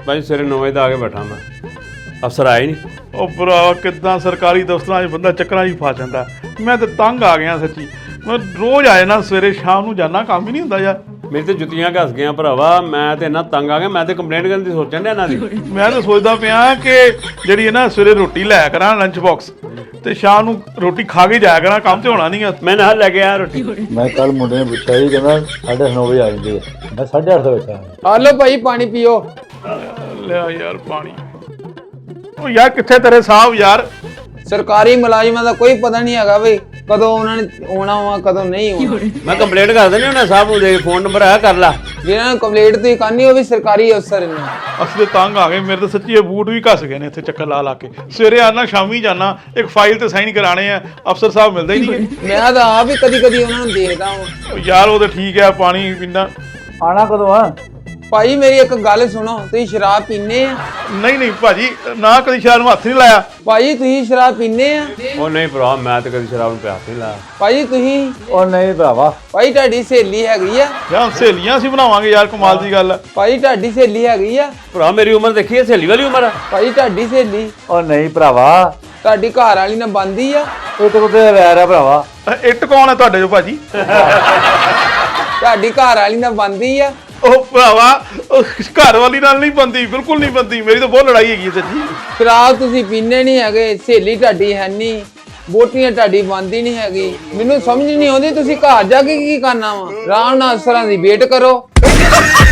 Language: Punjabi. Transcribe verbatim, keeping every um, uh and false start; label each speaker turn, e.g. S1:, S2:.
S1: भाई सवेरे नौ बजे आ के बैठा मैं, अफसर आए नहीं।
S2: ਉਹ ਭਰਾ ਕਿੱਦਾਂ ਸਰਕਾਰੀ ਦਫ਼ਤਰਾਂ 'ਚ ਬੰਦਾ ਚੱਕਰਾਂ 'ਚ ਫਸ ਜਾਂਦਾ। ਮੈਂ ਤਾਂ ਤੰਗ ਆ ਗਿਆ ਸੱਚੀ। ਮੈਂ ਰੋਜ਼ ਆ ਜਾਣਾ, ਸਵੇਰੇ ਸ਼ਾਮ ਨੂੰ ਜਾਣਾ, ਕੰਮ ਹੀ ਨਹੀਂ ਹੁੰਦਾ ਯਾਰ।
S1: मेरी तो जुत्तियां घस गई भरावा, मैं तो इन्ना तंग आ गया, मैं तो कंप्लेंट करने की सोचन डया इन्हां दी।
S2: ਮੈਂ ਤਾਂ ਸੋਚਦਾ ਪਿਆ ਕਿ ਜਿਹੜੀ ਹੈ ਨਾ ਸਵੇਰੇ ਰੋਟੀ ਲੈ ਕਰਾਂ ਲੰਚ ਬਾਕਸ ਤੇ ਸ਼ਾਮ ਨੂੰ ਰੋਟੀ ਖਾ ਕੇ ਜਾਇਆ ਕਰਾਂ, ਕੰਮ ਤੇ ਹੋਣਾ ਨਹੀਂ ਆ।
S1: मैं ना लेके आया रोटी।
S3: ਮੈਂ ਕੱਲ ਮੁੰਡੇ ਨੇ ਪੁੱਛਿਆ ਜੀ, ਕਹਿੰਦਾ ਸਾਢੇ ਨੌ ਵਜੇ ਆ ਜਾਂਦੇ ਆ। ਮੈਂ ਸਾਢੇ ਅੱਠ ਦਾ ਬੈਠਾ।
S4: ਆ ਲਓ ਭਾਈ ਪਾਣੀ ਪੀਓ।
S2: ਲਿਆ ਯਾਰ ਪਾਣੀ। ਉਹ ਯਾਰ ਕਿੱਥੇ ਤੇਰੇ ਸਾਹਿਬ ਯਾਰ?
S4: ਸਰਕਾਰੀ ਮੁਲਾਜ਼ਮਾਂ ਦਾ ਕੋਈ ਪਤਾ ਨਹੀਂ ਹੈਗਾ ਵੀ ਕਦੋਂ ਉਹਨਾਂ ਨੇ ਆਉਣਾ ਵਾ ਕਦੋਂ ਨਹੀਂ ਆਉਣਾ।
S1: मैं कंप्लेंट कर देनी उन्हें साहब नूं, दे फोन नंबर है कर ला।
S4: ਜਿਹਨਾਂ ਨੂੰ ਕੰਪਲੀਟ ਤੁਸੀਂ ਕਰਨੀ ਉਹ ਵੀ ਸਰਕਾਰੀ ਅਫਸਰ ਨੇ।
S2: ਅਸੀਂ ਤੇ ਤੰਗ ਆ ਗਏ। ਮੇਰੇ ਤਾਂ ਸੱਚੀ ਇਹ ਬੂਟ ਵੀ ਘਸ ਗਏ ਨੇ ਇੱਥੇ ਚੱਕਰ ਲਾ ਲਾ ਕੇ। ਸਵੇਰੇ ਆਣਾ ਸ਼ਾਮੀ ਜਾਣਾ, ਇੱਕ ਫਾਈਲ ਤੇ ਸਾਈਨ ਕਰਾਣੇ ਆ, ਅਫਸਰ ਸਾਹਿਬ ਮਿਲਦੇ ਹੀ ਨਹੀਂ।
S4: ਮੈਂ ਤਾਂ ਆਪ ਹੀ ਕਦੀ ਕਦੀ ਉਹਨਾਂ ਨੂੰ ਦੇਖਦਾ ਹਾਂ।
S2: ਯਾਰ ਉਹ ਤਾਂ ਠੀਕ ਹੈ, ਪਾਣੀ ਪੀਂਦਾ।
S3: ਆਣਾ ਕਦੋਂ ਆ?
S4: ਭਾਈ ਮੇਰੀ ਇੱਕ ਗੱਲ ਸੁਣੋ, ਤੁਸੀਂ ਸ਼ਰਾਬ ਪੀਂਦੇ ਆ?
S2: ਨਹੀਂ ਨਹੀਂ ਭਾਜੀ, ਨਾ ਕਦੀ ਸ਼ਾਰ ਨੂੰ ਹੱਥ ਨਹੀਂ ਲਾਇਆ।
S4: ਭਾਈ ਤੁਸੀਂ ਸ਼ਰਾਬ ਪੀਂਦੇ ਆ?
S1: ਉਹ ਨਹੀਂ ਭਰਾ, ਮੈਂ ਤਾਂ ਕਦੀ ਸ਼ਰਾਬ ਨੂੰ ਪਿਆਸ ਨਹੀਂ ਲਾਇਆ।
S4: ਭਾਈ ਤੁਸੀਂ?
S3: ਉਹ ਨਹੀਂ ਭਰਾਵਾ।
S4: ਭਾਈ ਤੁਹਾਡੀ ਸਹੇਲੀ ਹੈਗੀ ਆ?
S2: ਯਾਰ ਸਹੇਲੀਆਂ ਅਸੀਂ ਬਣਾਵਾਂਗੇ ਯਾਰ, ਕਮਾਲ ਦੀ ਗੱਲ ਆ।
S4: ਭਾਈ ਤੁਹਾਡੀ ਸਹੇਲੀ ਹੈਗੀ ਆ?
S1: ਭਰਾ ਮੇਰੀ ਉਮਰ ਦੇਖੀ ਹੈ, ਸਹੇਲੀ ਵਾਲੀ ਉਮਰ ਹੈ।
S4: ਭਾਈ ਤੁਹਾਡੀ ਸਹੇਲੀ
S3: ਉਹ ਨਹੀਂ ਭਰਾਵਾ,
S4: ਤੁਹਾਡੀ ਘਰ ਵਾਲੀ ਨਾਲ ਬੰਦੀ ਆ?
S3: ਇਹ ਤਾਂ ਕੁੱਤੇ ਵੈਰ ਆ ਭਰਾਵਾ।
S2: ਅ, ਇੱਟ ਕੌਣ ਹੈ ਤੁਹਾਡੇ ਜੋ ਭਾਜੀ?
S4: ਤੁਹਾਡੀ ਘਰ ਵਾਲੀ ਨਾਲ ਬੰਦੀ ਆ?
S2: ਉਹ ਭਰਾਵਾ, ਉਹ ਘਰ ਵਾਲੀ ਨਾਲ ਨਹੀਂ ਬੰਦੀ, ਬਿਲਕੁਲ ਨਹੀਂ ਬੰਦੀ। ਮੇਰੀ ਤਾਂ ਬਹੁਤ ਲੜਾਈ ਹੈਗੀ ਸੱਚੀ।
S4: ਸ਼ਰਾਬ ਤੁਸੀਂ ਪੀਂਦੇ ਨਹੀਂ ਹੈਗੇ, ਸਹੇਲੀ ਤੁਹਾਡੀ ਹੈ ਨਹੀਂ, ਬੋਟੀਆਂ ਤੁਹਾਡੀ ਬੰਦੀ ਨਹੀਂ ਹੈਗੀ। ਮੈਨੂੰ ਸਮਝ ਨਹੀਂ ਆਉਂਦੀ ਤੁਸੀਂ ਘਰ ਜਾ ਕੇ ਕੀ ਕਰਨਾ ਵਾ? ਆਰਾਮ ਨਾਲ ਅਫਸਰਾਂ ਦੀ ਵੇਟ ਕਰੋ।